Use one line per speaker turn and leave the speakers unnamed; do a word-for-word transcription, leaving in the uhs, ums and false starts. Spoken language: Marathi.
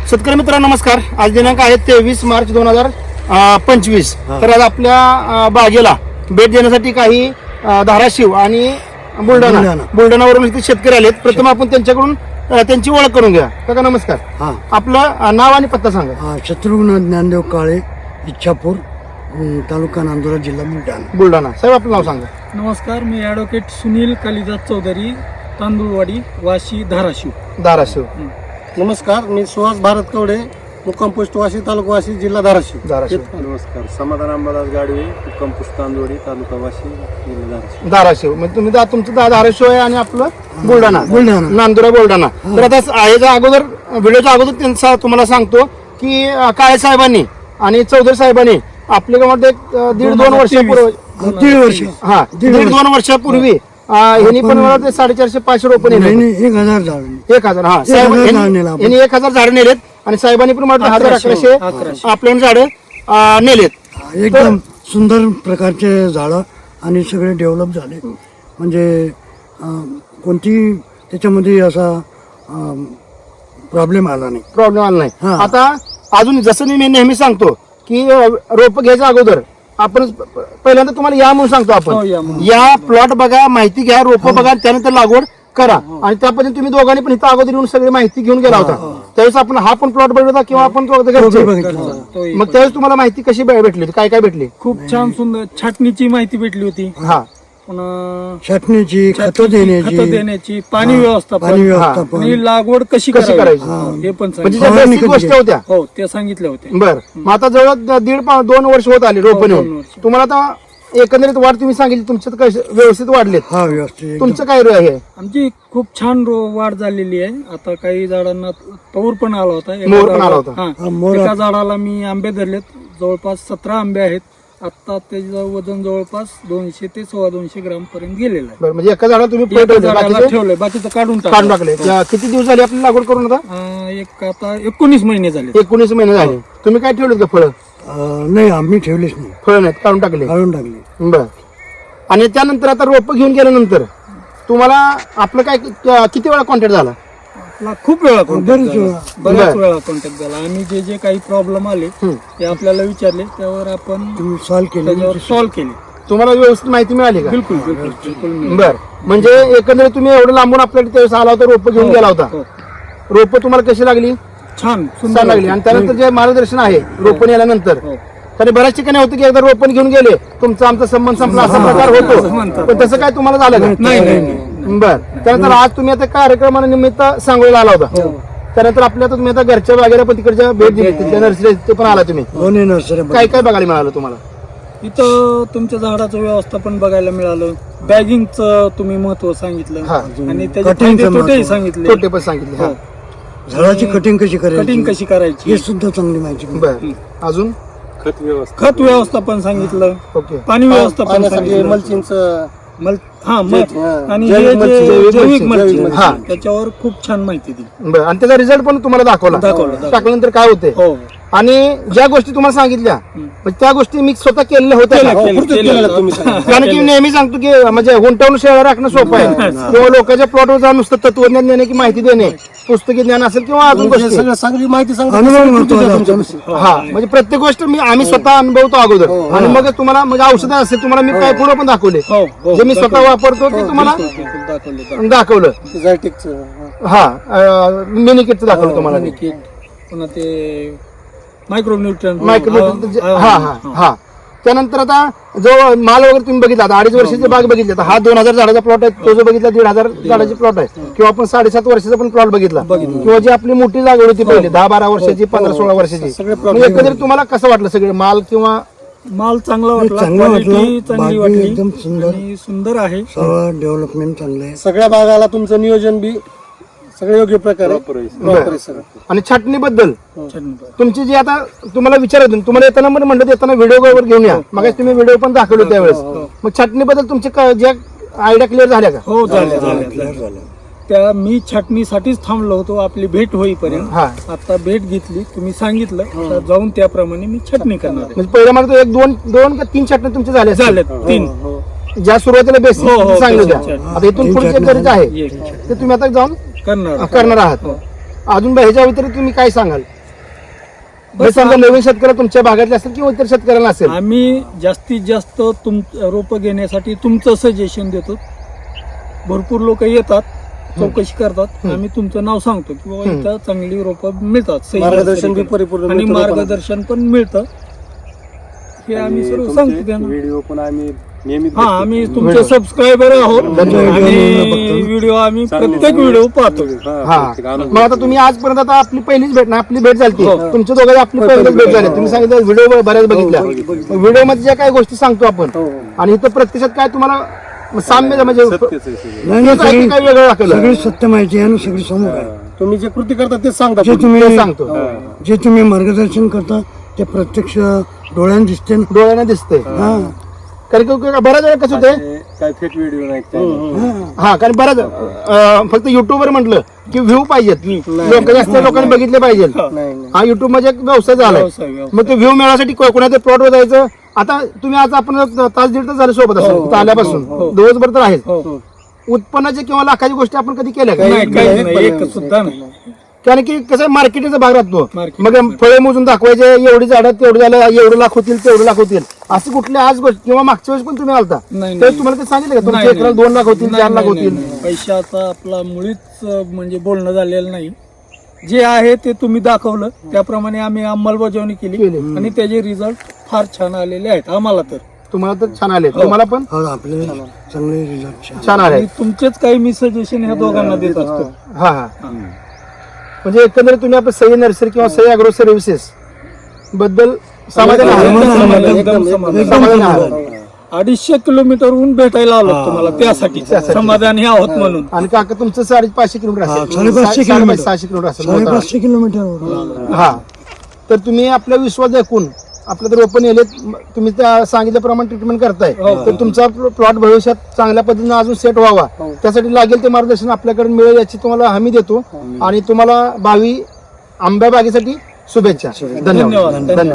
शेतकरी मित्रांनो नमस्कार. आज दिनांक आहे तेवीस मार्च दोन हजार पंचवीस. तर आज आपल्या अ, बागेला भेट देण्यासाठी काही अ, धाराशिव आणि बुलढाणा बुलढाणावरून इथे शेतकरी आलेत. प्रथम आपण त्यांच्याकडून अ, त्यांची ओळख करून घ्या. काका नमस्कार.
हा
आपलं अ, नाव आणि पत्ता सांगा.
हा शत्रुघ्न ज्ञानदेव काळे, इच्छापूर, अं, तालुका नांदुरा, जिल्हा बुलढाणा.
बुलढाणा. साहेब आपलं नाव सांगा.
नमस्कार, मी ॲडव्होकेट सुनील कालिदास चौधरी, तांदूळवाडी, वाशी, धाराशिव.
धाराशिव.
नमस्कार, मी सुहास भारत कवडे, मुक्काम पोस्ट वाशी, तालुका वाशी, जिल्हा धाराशिव.
धाराशिव.
नमस्कार, समाधान अंबादास गाडवे, मुक्काम पोस्ट तांदोडी, तालुका वाशी, जिल्हा धाराशिव.
धाराशिव म्हणजे तुम्ही दा- तुमचं दा- धाराशिव आहे आणि आपलं बुलढाणा
बुलढाणा.
नांदुरा बुलढाणा. तर आता याच्या अगोदर व्हिडिओच्या अगोदर त्यांचा तुम्हाला सांगतो की अ, काळे साहेबांनी आणि चौधरी साहेबांनी आपल्या गावामध्ये एक, अ, दीड दोन वर्षापूर्वी
दीड वर्ष
हा दीड दोन वर्षापूर्वी अ, ह्यांनी पण मला ते साडेचारशे पाचशे रोपं
नाही,
नेले.
नाही, एक हजार झाड
एक हजार हा साहेब
हजार
यांनी-
झाड नेलं आपण.
यांनी एक हजार झाड नेलेत आणि साहेबांनी पण मला हजार
अकराशे,
अकराशे आपल्या झाड नेलेत.
एकदम सुंदर प्रकारचे झाडं आणि सगळे डेव्हलप झाले. म्हणजे अं, कोणती त्याच्यामध्ये असा प्रॉब्लेम आला नाही.
प्रॉब्लेम आला नाही.
हा.
आता अजून जसं मी नेहमी सांगतो की रोप घ्यायच्या अगोदर आपण प- पहिल्यांदा तुम्हाला या म्हणून सांगतो
हो,
आपण
या म्हणून.
या प्लॉट बघा, माहिती घ्या, रोप बघा, त्यानंतर लागवड करा. आणि त्या पद्धतीने तुम्ही दोघांनी पण इथं अगोदर येऊन सगळी माहिती घेऊन गेला होता. त्यावेळेस आपण हा पण प्लॉट बघितला किंवा आपण तो घरचे.
तो बघितला.
तोही
मग त्यावेळेस तुम्हाला माहिती कशी भे- भेटली होती? काय काय भेटली?
खूप छान सुंदर छाटणीची माहिती भेटली होती.
हा
पुन्हा
छाटणीची, खतं
खतं
देण्याची,
देण्याची, पाणी
पाणी
व्यवस्थापन
व्यवस्थापन,
आणि लागवड कशी
कशी
करायची
करायची?
हे पण
म्हणजे
सांगितलं.
ज्या
फवारणी
basic
कधी
गोष्टी होत्या.
हो, ते सांगितले होते.
बर मग आता जवळ दीड पा- दोन वर्ष होत आली रोप
हो, दोन
नेऊन.
वर्ष.
तुम्हाला आता एकंदरीत वाढ तुम्ही सांगितली तुमच्यात कशी व्यवस्थित वाढलेत?
हा व्यवस्थित एकदम.
तुमचं काय आहे?
आमची खूप छान रो- वाढ झालेली आहे. आता काही झाडांना तौर पण आला होता. एका
मोर पण आला
झाडाला-
होता.
हा,
हा, मोर
एका झाडाला मी आंबे धरलेत. जवळपास सतरा आंबे आहेत. आता त्याचं वजन जवळपास दोनशे ते सव्वा दोनशे ग्राम पर्यंत गेलेलं आहे.
बरं म्हणजे एका झाडाला तुम्ही
एका
ठेवले,
झाडाला
बाकीचे
ठेवलंय, बाकीचं काढून
काढून
टाकलं.
टाकले. त्या किती दिवस झाले आपली लागवड करून? आता
अं, एक आता एकोणीस महिने झाले.
एकोणीस महिने झाले. तुम्ही काय ठेवलेत का फळं?
अं, नाही, आम्ही ठेवलेच नाही,
फळं नाहीत, काढून टाकले.
काढून टाकले.
बर आणि त्यानंतर आता रोप घेऊन गेल्यानंतर तुम्हाला आपलं काय कि- किती वेळा कॉन्टॅक्ट झाला?
आपला खूप वेळा कॉन्टॅक्ट
बरेच
झाला.
वेळा.
बऱ्याच
बरं.
वेळा कॉन्टॅक्ट झाला. आम्ही जे जे काही प्रॉब्लेम आले
हम्म.
ते आपल्याला विचारले, त्यावर आपण
तुम्ही सॉल्व केले.
त्याच्यावर सॉल्व्ह केले.
तुम्हाला व्यवस्थित माहिती मिळाली का?
बिलकुल बिलकुल बिलकुल मिळाले.
बर म्हणजे एकंदरीत तुम्ही एवढं लांबून आपल्याकडे त्यावेळेस आला होता, रोप घेऊन गेला होता.
हो.
रोप तुम्हाला कशी लागली?
छान
छान
सुंदर
लागली. आणि त्यानंतर जे मार्गदर्शन आहे रोपण याल्यानंतर
हो.
तरी बऱ्याच ठिकाणी होतं की एकदा रोपण घेऊन गेले तुमचा आमचा संबंध संपला असा प्रकार होतो.
म्हणतात.
पण तसं काय तुम्हाला झालं का?
नाही नाही नाही.
बर त्यानंतर आज तुम्ही आता कार्यक्रमानिमित्त सांगोळीला आला होता. त्यानंतर आपल्या आता तुम्ही आता घरच्या बागेला पण तिकडच्या भेट दिली, तिथल्या नर्सरी पण आला तुम्ही.
दोन्ही नर्सऱ्या
काय काय बघायला मिळालं तुम्हाला?
इथं तुमच्या झाडाचं व्यवस्थापन बघायला मिळालं. बॅगिंगचं तुम्ही महत्व सांगितलं
हा.
आणि त्याचे
कटिंगचं
फायदे तोटेही
महत्त्व.
सांगितले.
छोटे पण सांगितले. हा.
झाडाची कटिंग कशी करायची,
कटिंग कशी करायची,
हे सुद्धा चांगली माहिती मिळाली.
बर अजून
खत व्यवस्था,
खत व्यवस्थापन सांगितलं,
ओके.
पाणी व्यवस्थापन
पाण्यासाठी
सांगितलं.
मल्चिंगचं
मल हा मल
हा.
आणि
जैविक
हे
मल्चिंग,
जे
जैविक
जैविक
मल्चिंग,
मल्चिंग,
जैविक
हा.
त्याच्यावर खूप छान माहिती दिली.
बर आणि त्याचा रिझल्ट पण तुम्हाला दाखवला.
दाखवला, दाखवला.
टाकल्यानंतर काय होते
हो
आणि ज्या गोष्टी तुम्हाला सांगितल्या म्हणजे त्या गोष्टी मी स्वतः केलेल्या होत्या
केलं,
का?
केलं,
पूर्ती
केलं.
केलेलं तुम्ही सांगा.
कारण की मी नेहमी सांगतो की म्हणजे गुंतवणूक शेअर राखणं सोपं आहे किंवा लोकांच्या प्लॉटवर जाऊन नुसतं तत्वज्ञान देणे की माहिती देणे, पुस्तकी ज्ञान असेल किंवा अजून
तुम्ही जे
गोष्टी.
सगळं चांगली माहिती सांगता
अनुभव
तसं
महत्त्वाचा
कृती द्या
असतो.
तुमच्यापाशी.
हा म्हणजे प्रत्येक गोष्ट मी आम्ही स्वतः अनुभवतो अगोदर आणि मग तुम्हाला म्हणजे औषधं असेल तुम्हाला मी काय पुढे पण दाखवले
हो हो
जे मी स्वतः वापरतो ते तुम्हाला
बिलकुल, बिलकुल दाखवलं दाखवलं.
दाखवलं.
ते झायटेकचं, हा.
हा मिनी किटचं दाखवलं तुम्हाला मी.
किट, पुन्हा ते मायक्रो न्यूट्रन
मायक्रो हा हा हा त्यानंतर आता जो माल वगैरे तुम्ही बघितला आता अडीच वर्षाची बाग बघितली आता हा दोन हजार झाडाचा प्लॉट आहे तो जो बघितला दीड हजार झाडाची प्लॉट आहे किंवा आपण साडेसात वर्षाचा पण प्लॉट बघितला किंवा जी आपली मोठी लागवड होती पहिले दहा बारा वर्षाची पंधरा सोळा वर्षाची
सगळे
मग एकंदरीत तुम्हाला कसं वाटलं सगळे माल किंवा
माल चांगला वाटला,
चांगलं वाटलं.
क्वालिटी चांगली
बागी
वाटली
एकदम सुंदर.
आणि सुंदर आहे.
सगळं डेव्हलपमेंट चांगलं आहे.
सगळ्या भागाला तुमचं नियोजन बी सगळं योग्य प्रकारे प्रॉपर आहे सगळं.
आणि छाटणीबद्दल
छान.
तुमची जी आता तुम्हाला विचारत होती, तुम्हाला येताना पण म्हणलं येताना व्हिडिओ वर घेऊन या मग तुम्ही व्हिडिओ पण दाखवले त्यावेळेस मग छाटणीबद्दल तुमचे क- ज्या आयडिया क्लिअर झाल्या का?
हो झाले झाले
क्लिअर झालं.
त्या मी छाटणीसाठीच थांबलो होतो आपली भेट होईपर्यंत.
हा
आता भेट घेतली, तुम्ही सांगितलं, तर जाऊन त्याप्रमाणे मी छाटणी करणार आहे.
म्हणजे पहिल्या मागे एक दोन दोन का तीन छाटणी तुमचे झाले असतील.
झालेत तीन.
ज्या सुरुवातीला बेसिक
हो, हो,
सांगितलं
basic
होत्या आता इथून पुढचे
छाटणी
गरज आहे
एक
ते तुम्ही आता जाऊन
करणार.
करणार आहात. अजून ह्याच्या व्यतिरिक्त तुम्ही काय सांगाल? हे समजा नवीन शेतकरी तुमच्या भागातले असेल किंवा इतर शेतकऱ्यांना असेल.
आम्ही जास्तीत जास्त तुम रोपं घेण्यासाठी तुमचं सजेशन देतो. भरपूर लोक येतात, चौकशी करतात, आम्ही तुमचं नाव सांगतो की बाबा इथं चांगली रोपं मिळतात, सही
मार्गदर्शन बी
नर्सरीकडे.
परिपूर्ण
आणि
मिळतं लोकांना.
मार्गदर्शन पण मिळतं. हे आम्ही सर्व सांगतो त्यांना.
व्हिडिओ पण आम्ही नियमित
हा आम्ही तुमचे सबस्क्रायबर आहोत आणि व्हिडिओ आम्ही प्रत्येक व्हिडिओ पाहतो.
हा मग आता तुम्ही आजपर्यंत आता आपली पहिलीच भेट ना आपली भेट झाली तुमच्या दोघांची आपली पहिलीच भेट झाली. तुम्ही सांगितलं व्हिडिओ बऱ्याच बघितल्या. व्हिडिओ मध्ये ज्या काही गोष्टी सांगतो आपण आणि इथं प्रत्यक्षात काय तुम्हाला साम्य म्हणजे
नाही नाही,
काही
सगळी
काही वेगळं दाखवलं.
सगळी सत्य माहिती आहे आणि सगळी समोर आहे.
तुम्ही जे कृती करता तेच सांगता.
जे तुम्ही
ते सांगतो
जे तुम्ही मार्गदर्शन करता ते प्रत्यक्ष डोळ्याने दिसते ना.
डोळ्याने दिसते.
हा
कारण की बऱ्याच वेळा कसं होते
काय फेक व्हिडिओ नाही काय.
हा कारण बऱ्याच अं, फक्त युट्यूबवर म्हटलं की व्ह्यू पाहिजेत, लोक जास्त लोकांनी बघितले पाहिजे. हा युट्यूब म्हणजे एक व्यवसाय झालाय.
व्यवसाय, व्यवसाय.
मग ते व्ह्यू मिळवण्यासाठी को- कोणाच्या प्लॉटवर जायचं. आता तुम्ही आज आपण तास दीड तास झाले सोबत असेल इथं आल्यापासून दिवसभर तर आहेच.
हो.
उत्पन्नाच्या किंवा लाखाची गोष्टी आपण कधी केल्या का?
नाही काही नाही, एक सुद्धा नाही.
कारण की कसं मार्केटिंगचा भाग राहतो.
Marketing.
मग फळे मोजून दाखवायचे एवढी झाडं तेवढं झालं एवढं लाख होतील तेवढं लाख होतील असं कुठल्या आज गोष्ट किंवा मागच्या वेळेस पण तुम्ही आलता
नाही,
तर
नाही.
तुम्हाला ते सांगितलं का तुमच्या
नाही,
एकराला
नाही.
दोन लाख होतील
नाही,
चार लाख
नाही,
होतील.
नाही, नाही. पैशाचा आपला मुळीच अं, म्हणजे बोलणं झालेलं नाही. जे आहे ते तुम्ही दाखवलं त्याप्रमाणे आम्ही अंमलबजावणी केली
केली.
आणि त्याचे रिझल्ट फार छान आलेले आहेत आम्हाला तर.
तुम्हाला तर छान आले तुम्हाला पण
हो आपले चांगले रिझल्ट
छान आले.
आणि तुमचेच काही मी सजेशन ह्या दोघांना देत असतो.
हा हा म्हणजे एकंदरीत तुम्ही आपलं सही नर्सरी किंवा सही अॅग्रो सर्व्हिसेस बद्दल समाधानी आहात?
एकदम समाधान,
एकदम-
एकदम
एकदम
समाधान.
समाधानी आहात.
अडीचशे किलोमीटरहून भेटायला आलो तुम्हाला त्यासाठी समाधानी आहोत म्हणून.
आणि काका तुमचं साडे पाचशे किलोमीटर
हा,
असेल
साडेपाचशे
सा-
किलोमीटर.
साडेपाचशे- सहाशे किलोमीटर असेल मोठा.
साडेपाचशे किलोमीटर
हा तर तुम्ही आपला विश्वास दाखवून आपलं तर ओपन येले तुम्ही त्या सांगितल्याप्रमाणे ट्रीटमेंट करताय तर तुमचा प्लॉट भविष्यात चांगल्या पद्धतीने अजून सेट व्हावा त्यासाठी लागेल ते मार्गदर्शन आपल्याकडे मिळेल याची तुम्हाला हमी देतो आणि तुम्हाला भावी आंब्या बागेसाठी शुभेच्छा. धन्यवाद
धन्यवाद.
धन्यवाद.